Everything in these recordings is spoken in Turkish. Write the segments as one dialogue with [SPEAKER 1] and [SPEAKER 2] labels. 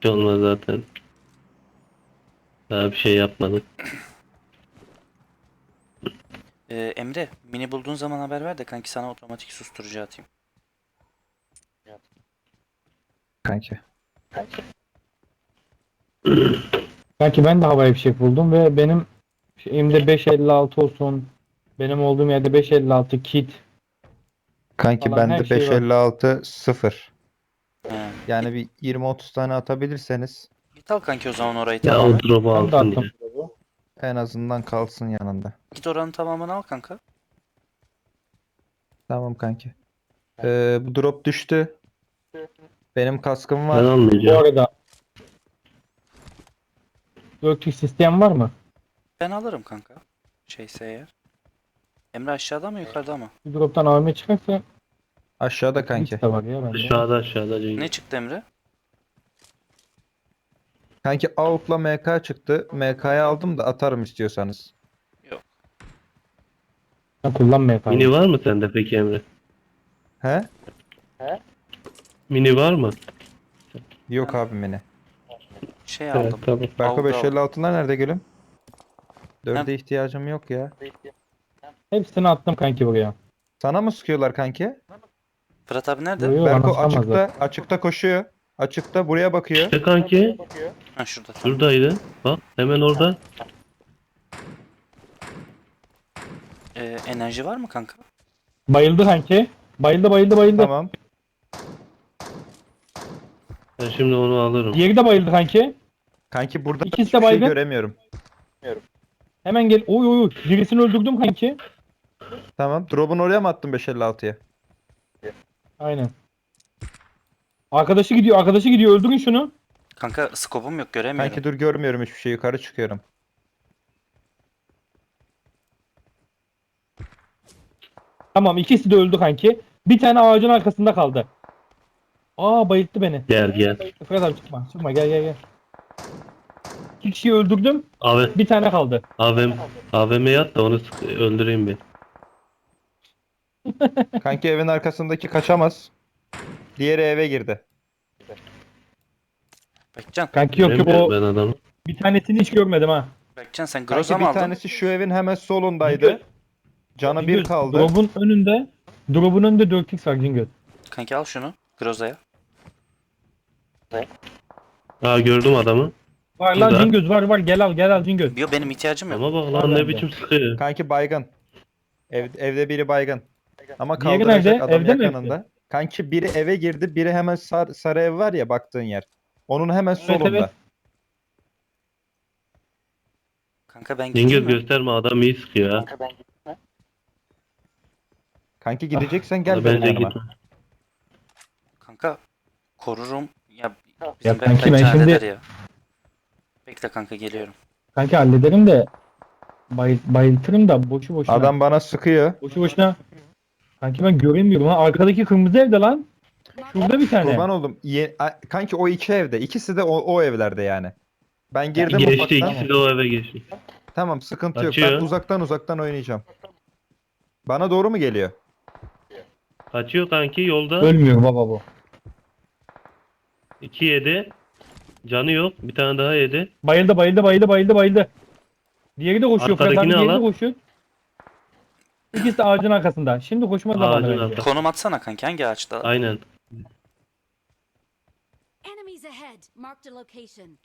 [SPEAKER 1] şey olmaz zaten. Daha bir şey yapmadık.
[SPEAKER 2] Emre, mini bulduğun zaman haber ver de kanki sana otomatik susturucu atayım.
[SPEAKER 3] Kanki.
[SPEAKER 4] Kanki ben de havai fişek buldum ve benim şeyimde 5.56 olsun. Benim olduğum yerde 5.56 kit
[SPEAKER 3] Kanki
[SPEAKER 4] falan her
[SPEAKER 3] bende
[SPEAKER 4] şey var.
[SPEAKER 3] 556 0.
[SPEAKER 2] He.
[SPEAKER 3] Yani bir 20-30 tane atabilirseniz
[SPEAKER 2] Git al kanki o zaman orayı
[SPEAKER 1] Ya o
[SPEAKER 2] tamamen.
[SPEAKER 1] drop'u
[SPEAKER 4] Ben de
[SPEAKER 1] alsın ya.
[SPEAKER 4] attım. Drop'u.
[SPEAKER 3] en azından kalsın yanında.
[SPEAKER 2] Git oranın tamamını al kanka.
[SPEAKER 3] Tamam kanki. Bu drop düştü. Benim kaskım
[SPEAKER 1] Ben
[SPEAKER 3] var.
[SPEAKER 4] Bu
[SPEAKER 1] almayacağım.
[SPEAKER 4] arada 4x sistem var mı?
[SPEAKER 2] Ben alırım kanka. Şeyse eğer. Emre aşağıda mı yukarıda mı?
[SPEAKER 4] Bir drop'tan AVM çıkarsa
[SPEAKER 3] Aşağıda
[SPEAKER 4] 4x
[SPEAKER 3] kanki.
[SPEAKER 4] de var ya bende.
[SPEAKER 1] Aşağıda
[SPEAKER 2] Ne
[SPEAKER 1] Cengiz.
[SPEAKER 2] çıktı Emre?
[SPEAKER 3] Kanki AUK'la MK çıktı. MK'yı aldım da atarım istiyorsanız.
[SPEAKER 2] Yok.
[SPEAKER 4] Ben kullanmaya
[SPEAKER 1] Mini
[SPEAKER 4] kaldım.
[SPEAKER 1] var mı sende peki Emre?
[SPEAKER 3] He?
[SPEAKER 1] Mini var mı?
[SPEAKER 3] Yok
[SPEAKER 2] Ben
[SPEAKER 3] abi beni.
[SPEAKER 2] şey
[SPEAKER 1] Evet
[SPEAKER 2] aldım.
[SPEAKER 1] tamam.
[SPEAKER 3] Berko
[SPEAKER 2] Algı aldım.
[SPEAKER 3] 556'lar nerede gülüm?
[SPEAKER 2] Hem
[SPEAKER 3] 4'e ihtiyacım yok ya.
[SPEAKER 4] Hepsini attım kanki buraya.
[SPEAKER 3] Sana mı sıkıyorlar kanki?
[SPEAKER 2] Fırat abi nerede?
[SPEAKER 4] Yo yo bana
[SPEAKER 3] Berko
[SPEAKER 4] sıkamazlar.
[SPEAKER 3] açıkta koşuyor. Açıkta buraya bakıyor.
[SPEAKER 1] İşte kanki
[SPEAKER 2] Ha şurada tamam.
[SPEAKER 1] şuradaydı. Bak hemen orada.
[SPEAKER 2] Enerji var mı kanka?
[SPEAKER 4] Bayıldı kanki. Bayıldı.
[SPEAKER 3] Tamam.
[SPEAKER 1] Ben şimdi onu alırım.
[SPEAKER 4] Diğeri de bayıldı kanki.
[SPEAKER 3] Kanki burada
[SPEAKER 4] İkisi de
[SPEAKER 3] hiçbir şey
[SPEAKER 4] baygın.
[SPEAKER 3] göremiyorum.
[SPEAKER 4] Hemen gel. Oy. Birisini öldürdüm kanki.
[SPEAKER 3] Tamam. Drop'un oraya mı attın 556'ya?
[SPEAKER 4] Aynen. Arkadaşı gidiyor. Öldürün şunu.
[SPEAKER 2] Kanka skopum yok göremiyorum.
[SPEAKER 3] Kanki dur görmüyorum hiçbir şey. Yukarı çıkıyorum.
[SPEAKER 4] Tamam ikisi de öldü kanki. Bir tane ağacın arkasında kaldı. Aa bayılttı beni.
[SPEAKER 1] Gel.
[SPEAKER 4] Fırat abi çıkma gel. İki kişiyi öldürdüm.
[SPEAKER 1] Abi
[SPEAKER 4] Bir tane kaldı.
[SPEAKER 1] AVM'ye at da onu öldüreyim bir.
[SPEAKER 3] Kanki evin arkasındaki kaçamaz. Diğeri eve girdi.
[SPEAKER 2] Bekcan.
[SPEAKER 4] Kanki yok
[SPEAKER 1] Göremiyorum
[SPEAKER 4] o
[SPEAKER 1] ben adamı.
[SPEAKER 4] bir tanesini hiç görmedim ha.
[SPEAKER 2] Bekcan sen
[SPEAKER 3] Kanki
[SPEAKER 2] Groza mı
[SPEAKER 3] bir
[SPEAKER 2] aldın?
[SPEAKER 3] tanesi şu evin hemen solundaydı. Canı bir
[SPEAKER 4] Cingöz,
[SPEAKER 3] kaldı.
[SPEAKER 4] Drop'un önünde 4x var Cingöz.
[SPEAKER 2] Kanki al şunu. Groza'ya.
[SPEAKER 1] Aa gördüm adamı.
[SPEAKER 4] Var lan
[SPEAKER 1] Burada.
[SPEAKER 4] Cingöz var gel al Cingöz.
[SPEAKER 2] Yo benim ihtiyacım yok.
[SPEAKER 1] Ama bak
[SPEAKER 4] Var
[SPEAKER 1] lan ne
[SPEAKER 4] bende.
[SPEAKER 1] biçim sıkıyor.
[SPEAKER 3] Kanki baygın. Evde biri baygın. Ama
[SPEAKER 4] Diğeri
[SPEAKER 3] kaldıracak
[SPEAKER 4] nerede?
[SPEAKER 3] adam
[SPEAKER 4] Evde mi
[SPEAKER 3] yakınında. Kanki biri eve girdi. Biri hemen sarı ev var ya baktığın yer. Onun hemen solunda.
[SPEAKER 4] Evet.
[SPEAKER 2] Kanka ben
[SPEAKER 1] Cengiz
[SPEAKER 2] gideyim mi?
[SPEAKER 1] gösterme adam iyi sıkıyor ha.
[SPEAKER 3] Kanki gideceksen
[SPEAKER 1] Valla
[SPEAKER 3] gel benim
[SPEAKER 1] bence
[SPEAKER 3] yanıma.
[SPEAKER 1] gitme.
[SPEAKER 2] Kanka korurum. Ya
[SPEAKER 4] Ya
[SPEAKER 2] bizim
[SPEAKER 4] kanki ben
[SPEAKER 2] Bekcan
[SPEAKER 4] şimdi
[SPEAKER 2] halleder ya. Bekle kanka geliyorum.
[SPEAKER 4] kanki hallederim de bayıltırım da boşu boşuna.
[SPEAKER 3] Adam bana sıkıyor.
[SPEAKER 4] Boşu boşuna. Kanki ben göremiyorum ha. Arkadaki kırmızı evde lan. Şurada bir tane.
[SPEAKER 3] Kurban oldum. Kanki o iki evde. İkisi de o evlerde yani. Ben girdim
[SPEAKER 1] Geçti
[SPEAKER 3] ufaktan.
[SPEAKER 1] ikisi de o eve geçti.
[SPEAKER 3] Tamam sıkıntı yok.
[SPEAKER 1] Kaçıyor.
[SPEAKER 3] Ben uzaktan oynayacağım. Bana doğru mu geliyor?
[SPEAKER 1] Kaçıyor kanki yolda.
[SPEAKER 4] Ölmüyor baba bu.
[SPEAKER 1] 2 yedi. Canı yok. Bir tane daha yedi.
[SPEAKER 4] Bayıldı. Diğeri de koşuyor. Fırat abi
[SPEAKER 1] Arkadakini
[SPEAKER 4] diğeri de
[SPEAKER 1] al.
[SPEAKER 4] koşuyor. İkisi de ağacın arkasında. Şimdi koşma zamanı
[SPEAKER 1] Ağacın
[SPEAKER 4] bence.
[SPEAKER 1] arkasında.
[SPEAKER 2] Konum atsana kanki hangi ağaçta?
[SPEAKER 1] Aynen.
[SPEAKER 5] Enemies ahead. Marked a location.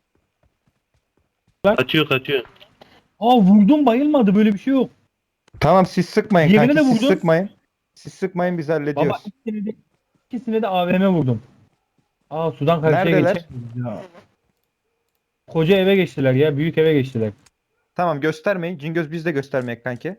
[SPEAKER 1] Kaçıyor.
[SPEAKER 4] Aa vurdum bayılmadı böyle bir şey yok.
[SPEAKER 3] Tamam siz sıkmayın
[SPEAKER 4] Diğerine
[SPEAKER 3] kanki.
[SPEAKER 4] de
[SPEAKER 3] Siz
[SPEAKER 4] vurdun.
[SPEAKER 3] sıkmayın. Siz sıkmayın biz
[SPEAKER 4] Baba
[SPEAKER 3] hallediyoruz.
[SPEAKER 4] ikisine de AVM vurdum. Aa sudan karşıya
[SPEAKER 3] Neredeler?
[SPEAKER 4] geçemeyiz ya. Koca eve geçtiler ya. Büyük eve geçtiler.
[SPEAKER 3] Tamam göstermeyin. Cingöz biz de göstermeyek kanki.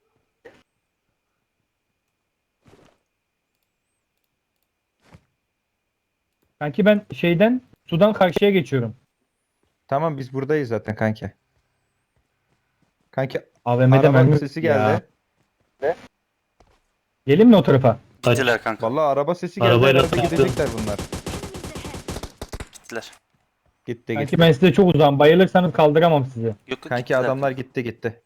[SPEAKER 4] Kanki ben sudan karşıya geçiyorum.
[SPEAKER 3] Tamam biz buradayız zaten kanki. Kanki
[SPEAKER 4] AVM'de
[SPEAKER 3] araba
[SPEAKER 4] mermi
[SPEAKER 3] sesi
[SPEAKER 4] ya.
[SPEAKER 3] geldi.
[SPEAKER 4] Gelin mi o tarafa?
[SPEAKER 2] Gittiler kanka.
[SPEAKER 3] Vallahi araba sesi geldi.
[SPEAKER 1] Arabayla
[SPEAKER 3] Herhalde
[SPEAKER 1] kaçtı.
[SPEAKER 3] gidecekler bunlar.
[SPEAKER 5] Enemies ahead.
[SPEAKER 2] Gittiler.
[SPEAKER 3] Gitti.
[SPEAKER 4] Kanki ben size çok uzağım. Bayılırsanız kaldıramam sizi.
[SPEAKER 2] Yok
[SPEAKER 3] Kanki
[SPEAKER 2] gittiler.
[SPEAKER 3] adamlar gitti.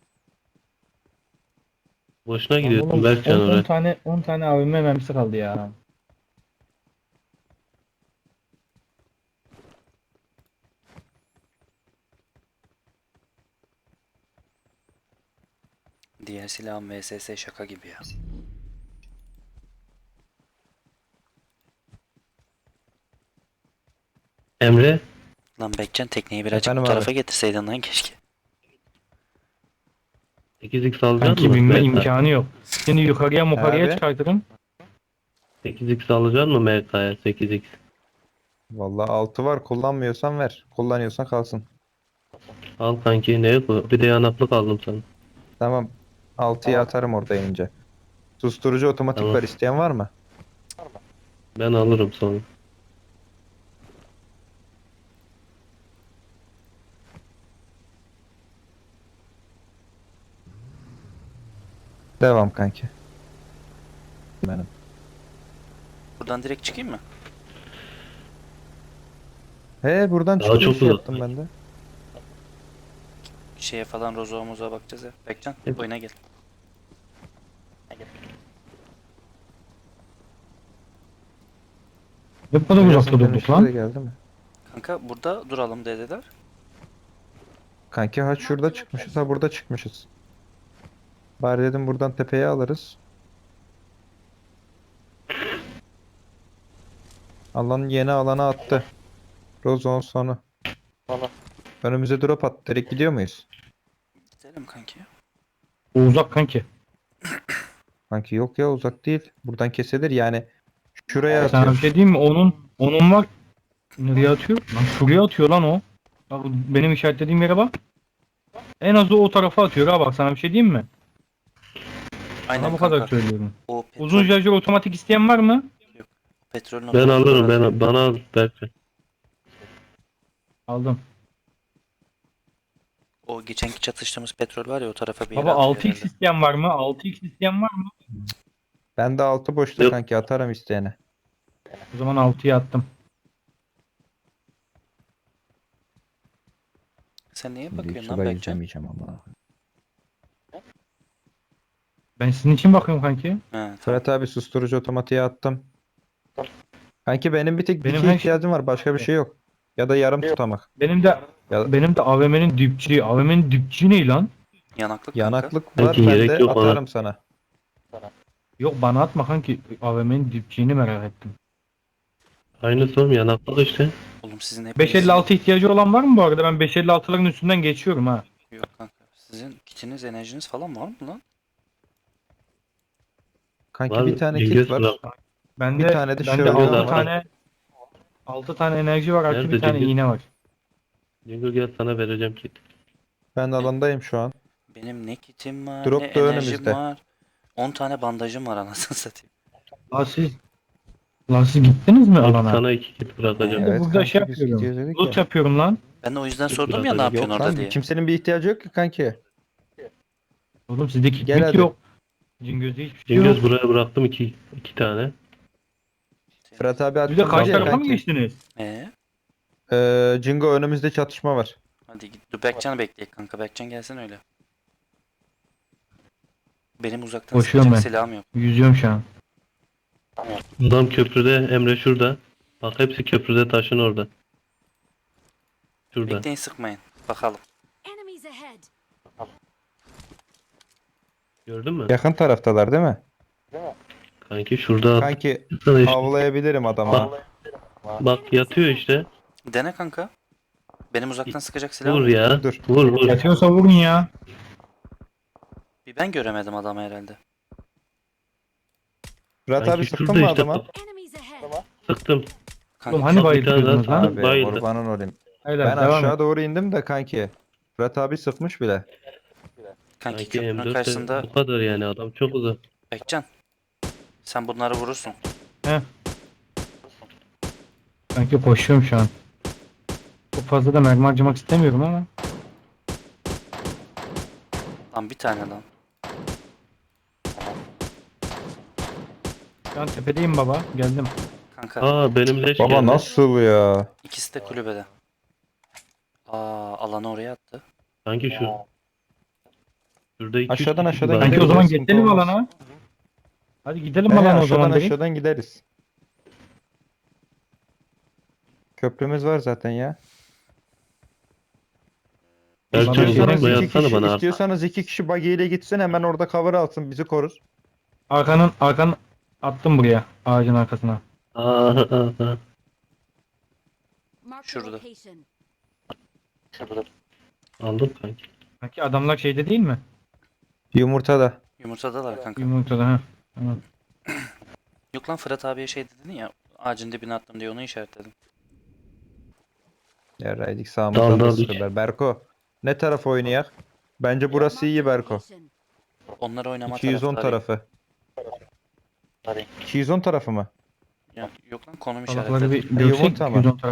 [SPEAKER 1] Boşuna gidiyorsun
[SPEAKER 4] Oğlum,
[SPEAKER 1] Berkcan
[SPEAKER 4] 10
[SPEAKER 1] oraya.
[SPEAKER 4] tane 10 tane AVM mermisi kaldı ya.
[SPEAKER 2] Diğer silahın VSS şaka gibi ya.
[SPEAKER 1] Emre
[SPEAKER 2] Lan Bekcan tekneyi birazcık
[SPEAKER 3] Efendim
[SPEAKER 2] bu
[SPEAKER 3] abi?
[SPEAKER 2] tarafa getirseydin lan keşke.
[SPEAKER 1] 8x alacaksın
[SPEAKER 4] Kanki
[SPEAKER 1] mı?
[SPEAKER 4] binme
[SPEAKER 1] MK?
[SPEAKER 4] imkanı yok. Seni yukarıya mukarıya
[SPEAKER 3] Abi?
[SPEAKER 4] çıkartırım.
[SPEAKER 1] 8x alacaksın mı MK'ya 8x?
[SPEAKER 3] Vallahi 6 var, kullanmıyorsan ver. Kullanıyorsan kalsın.
[SPEAKER 1] Al kanki, ne bu? Bir de yanaklık aldım sana.
[SPEAKER 3] Tamam. 6'yı atarım orada inince. Susturucu otomatik
[SPEAKER 1] Tamam.
[SPEAKER 3] var, isteyen var mı?
[SPEAKER 1] Ben alırım sonra.
[SPEAKER 3] Devam kanki. Benim.
[SPEAKER 2] Buradan direkt çıkayım mı?
[SPEAKER 3] He, buradan
[SPEAKER 1] Daha
[SPEAKER 3] çıkış
[SPEAKER 1] çok uzak.
[SPEAKER 3] yaptım ben de.
[SPEAKER 2] Şeye falan Rozo'a mozo'a bakacağız ya. Bekcan
[SPEAKER 1] Evet.
[SPEAKER 2] oyuna gel.
[SPEAKER 4] Ne kadar uzakta
[SPEAKER 3] Birazdan
[SPEAKER 4] durduk
[SPEAKER 3] dönüşte de
[SPEAKER 4] lan.
[SPEAKER 3] geldi mi?
[SPEAKER 2] Kanka burada duralım dediler.
[SPEAKER 3] Kanki ha şurada çıkmışız, ha burada çıkmışız. Bari dedim buradan tepeye alırız. Alan yeni alana attı. Rozon sonu. Önümüze drop attı. Direkt gidiyor muyuz?
[SPEAKER 2] Gidelim kanki.
[SPEAKER 4] O uzak kanki.
[SPEAKER 3] Kanki yok ya, uzak değil. Buradan kesilir yani. Şuraya
[SPEAKER 4] Sana bir
[SPEAKER 3] atıyor.
[SPEAKER 4] şey diyeyim mi? Onun var. Nereye atıyor? Lan şuraya atıyor lan o. Bak benim işaretlediğim yere bak. En azı o tarafa atıyor ha, bak sana bir şey diyeyim mi?
[SPEAKER 2] Aynen
[SPEAKER 4] Sana bu
[SPEAKER 2] kanka.
[SPEAKER 4] kadar söylüyorum.
[SPEAKER 2] O
[SPEAKER 4] Uzun şarjör otomatik isteyen var mı?
[SPEAKER 2] petrolün
[SPEAKER 1] Ben
[SPEAKER 2] otomatik
[SPEAKER 1] alırım,
[SPEAKER 2] olarak-
[SPEAKER 1] bana al Berkay.
[SPEAKER 4] Aldım.
[SPEAKER 2] O geçenki çatıştığımız petrol var ya o tarafa bir yere
[SPEAKER 4] Baba
[SPEAKER 2] atıyor
[SPEAKER 4] 6x
[SPEAKER 2] herhalde.
[SPEAKER 4] isteyen var mı? 6x isteyen var mı?
[SPEAKER 3] Ben de altı boşta
[SPEAKER 1] Yok.
[SPEAKER 3] kanki, atarım isteyene.
[SPEAKER 4] O zaman 6'ya attım.
[SPEAKER 2] Sen neye
[SPEAKER 3] Şimdi
[SPEAKER 2] bakıyorsun lan
[SPEAKER 3] suda
[SPEAKER 2] Bekcan?
[SPEAKER 3] yüzemeyeceğim ama.
[SPEAKER 4] Ben sizin için bakıyorum kanki.
[SPEAKER 2] He tamam.
[SPEAKER 3] Fırat abi, susturucu otomatiğe attım. Kanki benim bir tek
[SPEAKER 4] Benim
[SPEAKER 3] dike
[SPEAKER 4] her
[SPEAKER 3] ihtiyacım var. Başka bir şey yok. Ya da yarım tutamak.
[SPEAKER 4] Benim de
[SPEAKER 3] Ya,
[SPEAKER 4] benim de AVM'nin dipçiği. AVM'nin dipçiği ne lan?
[SPEAKER 2] Yanaklık kanka.
[SPEAKER 3] yanaklık var
[SPEAKER 1] Kanki gerek
[SPEAKER 3] bende,
[SPEAKER 1] yok bana.
[SPEAKER 3] atarım sana.
[SPEAKER 4] Yok bana atma kanki. AVM'nin dipçiğini merak ettim.
[SPEAKER 1] Aynısı oğlum, yanaklık işte.
[SPEAKER 2] Oğlum sizin hepinizin...
[SPEAKER 4] 556 ihtiyacı olan var mı bu arada? Ben 556'ların üstünden geçiyorum ha.
[SPEAKER 2] Yok kanka. Sizin kitiniz, enerjiniz falan var mı lan?
[SPEAKER 3] Kanki
[SPEAKER 1] Var,
[SPEAKER 3] bir tane
[SPEAKER 1] Cingöz
[SPEAKER 3] kit var.
[SPEAKER 1] bırak.
[SPEAKER 4] Bende
[SPEAKER 3] Bir tane de
[SPEAKER 4] bende
[SPEAKER 3] şöyle
[SPEAKER 4] 6
[SPEAKER 1] var.
[SPEAKER 4] tane 6 tane enerji var, artı
[SPEAKER 1] Nerede
[SPEAKER 4] bir tane
[SPEAKER 1] Cengiz?
[SPEAKER 4] iğne var.
[SPEAKER 1] Cingöz gel, sana vereceğim kit.
[SPEAKER 3] Ben alandayım şu an.
[SPEAKER 2] Benim ne kitim var,
[SPEAKER 3] Drop
[SPEAKER 2] ne
[SPEAKER 3] da
[SPEAKER 2] enerjim
[SPEAKER 3] önümüzde.
[SPEAKER 2] var. 10 tane bandajım var anasını satayım.
[SPEAKER 4] Lan siz gittiniz mi alana?
[SPEAKER 1] Sana 2 kit bırakacağım.
[SPEAKER 4] Evet. burada şey
[SPEAKER 3] biz
[SPEAKER 4] yapıyorum.
[SPEAKER 3] gidiyoruz dedik
[SPEAKER 4] Loot
[SPEAKER 3] ya.
[SPEAKER 4] yapıyorum lan.
[SPEAKER 2] Ben de o yüzden
[SPEAKER 1] Dur,
[SPEAKER 2] sordum
[SPEAKER 1] biraz
[SPEAKER 2] ya ne
[SPEAKER 1] daha-
[SPEAKER 2] yapıyorsun
[SPEAKER 3] Yok
[SPEAKER 2] orada
[SPEAKER 3] lan,
[SPEAKER 2] diye.
[SPEAKER 3] kimsenin bir ihtiyacı yok ki kanki.
[SPEAKER 4] Oğlum sizde
[SPEAKER 3] Gel
[SPEAKER 4] kitlik
[SPEAKER 3] hadi.
[SPEAKER 4] yok. Cingöz'de hiçbir şey yok.
[SPEAKER 1] Cingöz buraya bıraktım iki tane.
[SPEAKER 3] Fırat abi
[SPEAKER 4] Siz de
[SPEAKER 3] attım
[SPEAKER 4] karşı
[SPEAKER 3] diye
[SPEAKER 4] tarafa mı
[SPEAKER 3] kanki.
[SPEAKER 4] geçtiniz?
[SPEAKER 3] Jingo, önümüzde çatışma var.
[SPEAKER 2] Hadi git. Dur Berkcan'ı bekleyek kanka. Berkcan gelsin öyle. Benim uzaktan
[SPEAKER 4] Koşuyorum
[SPEAKER 2] sıkacak
[SPEAKER 4] ben.
[SPEAKER 2] silahım yok.
[SPEAKER 4] Yüzüyorum şu an.
[SPEAKER 1] Adam köprüde, Emre şurada. Bak hepsi köprüde, taşın orada. Şurada.
[SPEAKER 2] Bekleyin sıkmayın. Bakalım.
[SPEAKER 5] Enemies ahead.
[SPEAKER 1] Gördün mü?
[SPEAKER 3] Yakın taraftalar değil mi?
[SPEAKER 1] Kanki şurada.
[SPEAKER 3] Kanki
[SPEAKER 1] Sana işte.
[SPEAKER 3] avlayabilirim adama.
[SPEAKER 1] Bak yatıyor işte.
[SPEAKER 2] Dene kanka. Benim uzaktan sıkacak silahım
[SPEAKER 1] Vur
[SPEAKER 2] yok.
[SPEAKER 1] ya.
[SPEAKER 3] Dur.
[SPEAKER 1] Vur.
[SPEAKER 4] Yatıyorsa vurun ya.
[SPEAKER 2] Bir ben göremedim adamı herhalde.
[SPEAKER 3] Fırat abi,
[SPEAKER 1] Kanki
[SPEAKER 3] sıktın
[SPEAKER 1] şurada
[SPEAKER 3] mı
[SPEAKER 1] işte.
[SPEAKER 3] adama?
[SPEAKER 5] Enemies ahead.
[SPEAKER 1] Sıktım.
[SPEAKER 2] Kanka
[SPEAKER 4] Oğlum hani
[SPEAKER 1] Bak, bir tane
[SPEAKER 4] bayıldınız
[SPEAKER 1] daha
[SPEAKER 4] lan?
[SPEAKER 1] sıktım.
[SPEAKER 3] Abi
[SPEAKER 1] Bayıldı.
[SPEAKER 3] kurbanın olayım.
[SPEAKER 4] Hayır,
[SPEAKER 3] Ben
[SPEAKER 4] devam
[SPEAKER 3] aşağı
[SPEAKER 4] et.
[SPEAKER 3] doğru indim de kanki. Fırat abi sıkmış bile.
[SPEAKER 2] kanki
[SPEAKER 1] Kanki
[SPEAKER 2] köprünün
[SPEAKER 1] M4
[SPEAKER 2] karşısında
[SPEAKER 1] bu kadar yani, adam çok uzak.
[SPEAKER 2] Bekcan. Sen bunları vurursun.
[SPEAKER 4] Sanki koşuyorum şu an. Çok fazla da mermi harcamak istemiyorum ama.
[SPEAKER 2] Lan bir tane lan.
[SPEAKER 4] Şu an tepedeyim baba. Geldim.
[SPEAKER 2] Kanka
[SPEAKER 1] Aa, benim leş
[SPEAKER 3] Baba
[SPEAKER 1] geldi.
[SPEAKER 3] nasıl ya?
[SPEAKER 2] ikisi de kulübede. Alanı oraya attı.
[SPEAKER 1] Kanki şu. Şurada 2-3
[SPEAKER 3] Aşağıdan
[SPEAKER 1] kişi
[SPEAKER 3] aşağıdan
[SPEAKER 1] var.
[SPEAKER 4] Sanki o
[SPEAKER 3] gidelim,
[SPEAKER 4] zaman
[SPEAKER 3] sıkıntı
[SPEAKER 4] geçelim
[SPEAKER 3] olmaz.
[SPEAKER 4] alana. Hadi gidelim
[SPEAKER 3] He,
[SPEAKER 4] alana o zaman
[SPEAKER 3] aşağıdan
[SPEAKER 4] direkt.
[SPEAKER 3] aşağıdan gideriz. Köprümüz var zaten ya.
[SPEAKER 1] Ben Belki
[SPEAKER 4] Bana
[SPEAKER 3] İstiyorsanız
[SPEAKER 1] uzatma
[SPEAKER 3] iki
[SPEAKER 1] yatsana
[SPEAKER 3] kişi,
[SPEAKER 1] bana arka.
[SPEAKER 3] istiyorsanız iki kişi buggy ile gitsin hemen orada cover alsın bizi korur.
[SPEAKER 4] Arkanın attım buraya. Ağacın arkasına.
[SPEAKER 1] Aa,
[SPEAKER 5] Mark the
[SPEAKER 2] Şurada.
[SPEAKER 5] location.
[SPEAKER 1] Aldım kanki.
[SPEAKER 4] Sanki adamlar şeyde değil mi?
[SPEAKER 3] Yumurtada.
[SPEAKER 2] Yumurtadalar kanka.
[SPEAKER 4] Yumurtada ha. Tamam.
[SPEAKER 2] Yok lan Fırat abiye şey dedin ya. Ağacın dibine attım diye onu işaretledim.
[SPEAKER 3] Yaraydık sağımızdan da
[SPEAKER 1] Dal,
[SPEAKER 3] sıkıyorlar. Berko. Ne taraf oynayak? Bence burası
[SPEAKER 5] Mark the
[SPEAKER 3] iyi Berko.
[SPEAKER 5] location.
[SPEAKER 2] Onlar oynama
[SPEAKER 3] 210
[SPEAKER 2] taraftarıyım.
[SPEAKER 3] tarafı. 210 tarafı mı?
[SPEAKER 2] Ya, yok lan konum
[SPEAKER 4] Salakları
[SPEAKER 2] işaretledim.
[SPEAKER 4] bir görsek
[SPEAKER 3] Yumurta mı?
[SPEAKER 4] 210 taraf.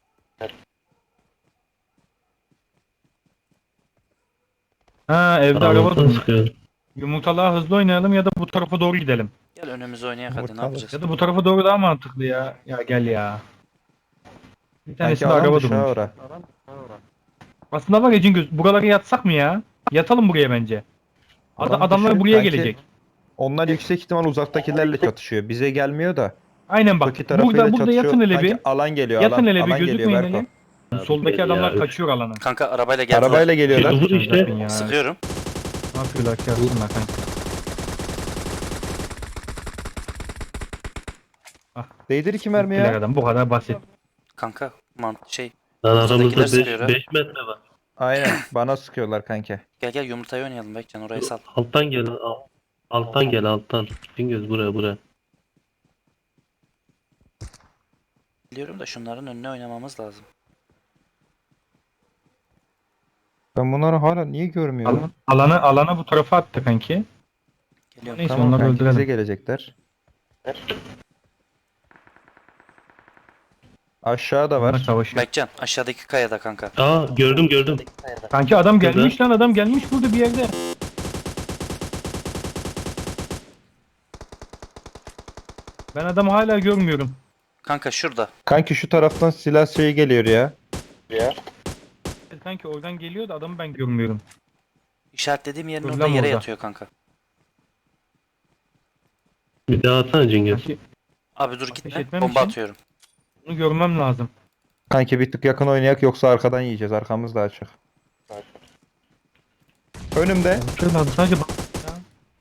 [SPEAKER 4] Ha evde araba
[SPEAKER 1] Arabasını
[SPEAKER 4] durmuş.
[SPEAKER 1] sıkıyor.
[SPEAKER 4] Yumurtalığa hızlı oynayalım ya da bu tarafa doğru gidelim.
[SPEAKER 2] Gel önümüze oynayak hadi ne
[SPEAKER 3] Yumurtalı.
[SPEAKER 2] yapacağız?
[SPEAKER 4] Ya da bu tarafa doğru daha mantıklı ya. Ya gel ya. Bir
[SPEAKER 3] Sanki
[SPEAKER 4] tanesinde
[SPEAKER 3] alan
[SPEAKER 4] araba
[SPEAKER 3] dışı ha
[SPEAKER 4] durmuş.
[SPEAKER 3] ora.
[SPEAKER 4] Aslında var ya Cingöz buralara yatsak mı ya? Yatalım buraya bence.
[SPEAKER 3] Alan
[SPEAKER 4] Adamlar
[SPEAKER 3] dışı
[SPEAKER 4] buraya
[SPEAKER 3] sanki-
[SPEAKER 4] gelecek.
[SPEAKER 3] Onlar yüksek ihtimal uzaktakilerle çatışıyor. Bize gelmiyor da.
[SPEAKER 4] Aynen bak.
[SPEAKER 3] Öteki tarafıyla
[SPEAKER 4] Burada
[SPEAKER 3] çatışıyor.
[SPEAKER 4] yatın hele
[SPEAKER 3] Sanki
[SPEAKER 4] bir.
[SPEAKER 3] alan geliyor.
[SPEAKER 4] Yatın hele bir
[SPEAKER 3] alan
[SPEAKER 4] gözükmeyin
[SPEAKER 3] geliyor Berko.
[SPEAKER 4] hele. Soldaki
[SPEAKER 1] Gel
[SPEAKER 4] adamlar
[SPEAKER 1] ya.
[SPEAKER 4] kaçıyor alanı.
[SPEAKER 2] Kanka arabayla geldiler.
[SPEAKER 3] Arabayla geliyorlar.
[SPEAKER 1] Vur işte.
[SPEAKER 4] Ya.
[SPEAKER 2] Sıkıyorum.
[SPEAKER 4] Ne yapıyorlar ki aslında kanka?
[SPEAKER 3] Değdir iki mermi
[SPEAKER 4] Gittiler
[SPEAKER 3] ya.
[SPEAKER 4] adam bu kadar basit.
[SPEAKER 2] Kanka şey
[SPEAKER 1] Lan aramızda
[SPEAKER 2] Ortadakiler
[SPEAKER 1] 5
[SPEAKER 2] sıkıyor ha.
[SPEAKER 1] metre var.
[SPEAKER 3] Aynen. Bana sıkıyorlar kanka.
[SPEAKER 2] gel yumurtayı oynayalım Bekcan orayı sal.
[SPEAKER 1] Alttan gel. Alttan gel alttan. Cingöz buraya.
[SPEAKER 2] Biliyorum da şunların önüne oynamamız lazım.
[SPEAKER 3] Ben bunları hala niye görmüyorum?
[SPEAKER 4] Alana bu tarafa attı kanki.
[SPEAKER 2] Geliyorum.
[SPEAKER 4] Neyse
[SPEAKER 3] Tamam
[SPEAKER 4] onları
[SPEAKER 3] kanki bize
[SPEAKER 4] öldürelim.
[SPEAKER 3] gelecekler. Aşağıda
[SPEAKER 4] Onlar
[SPEAKER 3] var.
[SPEAKER 4] savaşıyor.
[SPEAKER 2] Bekcan aşağıdaki kayada kanka.
[SPEAKER 1] Aa gördüm.
[SPEAKER 4] Kanki adam
[SPEAKER 1] Burada.
[SPEAKER 4] gelmiş lan adam gelmiş burada bir yerde. Ben adamı hala görmüyorum.
[SPEAKER 2] Kanka şurada.
[SPEAKER 3] Kanki şu taraftan silah şeyi geliyor ya.
[SPEAKER 4] Kanki oradan geliyor da adamı ben görmüyorum.
[SPEAKER 2] İşaretlediğim yerin
[SPEAKER 4] Dur
[SPEAKER 2] orada
[SPEAKER 4] lan
[SPEAKER 2] yere
[SPEAKER 4] orada.
[SPEAKER 2] yatıyor kanka.
[SPEAKER 1] Bir daha atsana Cingöz.
[SPEAKER 4] Kanki
[SPEAKER 2] Abi dur gitme.
[SPEAKER 4] etmem
[SPEAKER 2] Bomba
[SPEAKER 4] için-
[SPEAKER 2] atıyorum.
[SPEAKER 4] bunu görmem lazım.
[SPEAKER 3] Kanki bir tık yakın oynayak yoksa arkadan yiyeceğiz. Arkamız da açık. Önümde.
[SPEAKER 4] Şöyle lazım sadece bak. Ya.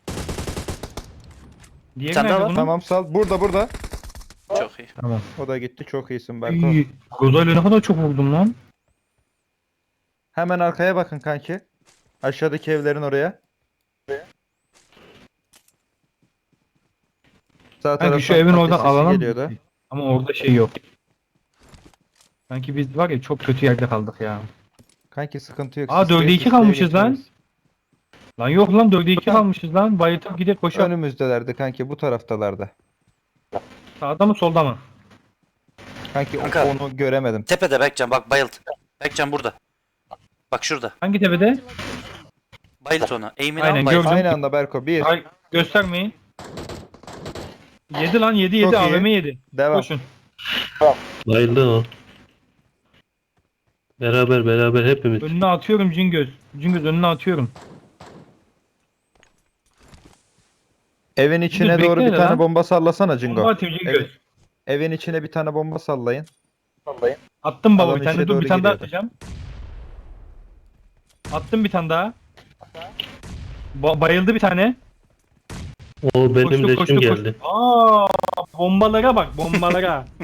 [SPEAKER 4] Diğeri
[SPEAKER 2] tane daha
[SPEAKER 4] nerede
[SPEAKER 2] var.
[SPEAKER 4] bunun?
[SPEAKER 3] Tamam sal. Burada.
[SPEAKER 2] Çok iyi.
[SPEAKER 4] Tamam.
[SPEAKER 3] O da gitti. Çok iyisin Berko.
[SPEAKER 4] İyi. Rozayla ne kadar çok vurdum lan.
[SPEAKER 3] Hemen arkaya bakın kanki. Aşağıdaki evlerin oraya. Sağ
[SPEAKER 4] Kanki şu
[SPEAKER 3] taraftan
[SPEAKER 4] evin
[SPEAKER 3] ateş
[SPEAKER 4] oradan
[SPEAKER 3] sesi
[SPEAKER 4] alana
[SPEAKER 3] geliyordu.
[SPEAKER 4] ama orada şey yok. Sanki biz var ya çok kötü yerde kaldık ya.
[SPEAKER 3] Kanki sıkıntı yok.
[SPEAKER 4] Aa,
[SPEAKER 3] Sisleye
[SPEAKER 4] 4'e 2
[SPEAKER 3] sisleye
[SPEAKER 4] kalmışız lan.
[SPEAKER 3] geçiyoruz.
[SPEAKER 4] Lan yok lan 4'e 2 kalmışız lan. Bayıltıp gidip koşar.
[SPEAKER 3] Önümüzdelerdi kanki bu taraftalardı.
[SPEAKER 4] Sağda mı solda mı?
[SPEAKER 3] Kanki
[SPEAKER 2] Kanka.
[SPEAKER 3] onu göremedim.
[SPEAKER 2] Tepede Bekcan bak bayılt. Bekcan burada. Bak şurada.
[SPEAKER 4] Hangi tepede?
[SPEAKER 2] Bayılt ona. Eğimini
[SPEAKER 4] Aynen,
[SPEAKER 2] al bayılt.
[SPEAKER 4] gördüm.
[SPEAKER 3] Aynı anda Berko. Bir.
[SPEAKER 4] Ay göstermeyin. Yedi lan yedi
[SPEAKER 3] Çok iyi.
[SPEAKER 4] AVM yedi.
[SPEAKER 3] Devam.
[SPEAKER 4] Koşun.
[SPEAKER 1] Bayıldı o. Beraber hepimiz.
[SPEAKER 4] Önüne atıyorum Cingöz. Cingöz önüne atıyorum.
[SPEAKER 3] Evin içine
[SPEAKER 4] Dur,
[SPEAKER 3] doğru bir
[SPEAKER 4] bekle
[SPEAKER 3] tane
[SPEAKER 4] lan.
[SPEAKER 3] bomba sallasana Cingo.
[SPEAKER 4] Bomba atayım Cingöz.
[SPEAKER 3] Evin içine bir tane bomba sallayın.
[SPEAKER 4] Attım baba
[SPEAKER 3] Alan
[SPEAKER 4] bir tane
[SPEAKER 3] içine
[SPEAKER 4] dur
[SPEAKER 3] doğru
[SPEAKER 4] bir tane daha
[SPEAKER 3] giriyordu.
[SPEAKER 4] atacağım. Attım bir tane daha. Bayıldı bir tane.
[SPEAKER 1] O benim
[SPEAKER 4] Koştu,
[SPEAKER 1] leşim
[SPEAKER 4] koştu,
[SPEAKER 1] geldi.
[SPEAKER 4] Aa bombalara bak bombalara.